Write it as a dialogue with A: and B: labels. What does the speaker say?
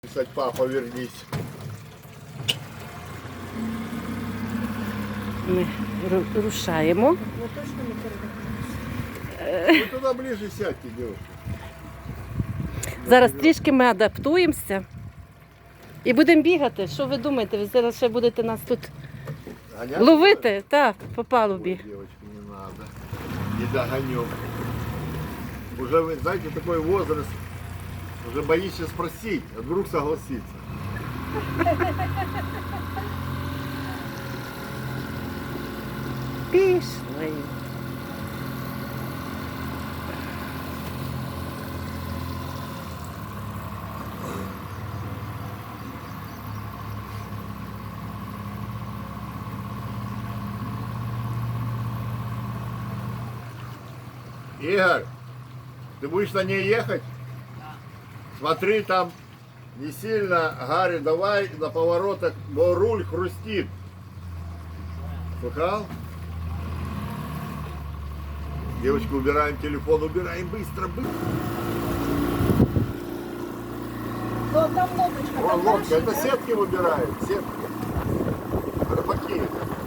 A: Писать, папа, вернись.
B: Ми рушаємо.
C: Ви точно не передаєте?
A: Вы туда ближе сядьте, девушка.
B: Зараз трішки ми адаптуємося і будемо бігати. Що ви думаєте? Ви зараз ще будете нас тут
A: Гонять?
B: ловити? Так, по
A: Ой,
B: палубі.
A: девочки, не надо. Не догонем. Уже, вы знаете, такой возраст, уже боишься спросить, а вдруг согласится.
B: Пішли.
A: Игорь, ты будешь на ней ехать? Смотри, там не сильно, Гарри, давай на поворотах, но руль хрустит. Слыхал? Девочка, убираем телефон, убираем быстро, быстро.
C: Ну, там лодочка,
A: Вон
C: там
A: лодка, это
C: наші,
A: сетки выбирают, сетки. Рыбаки.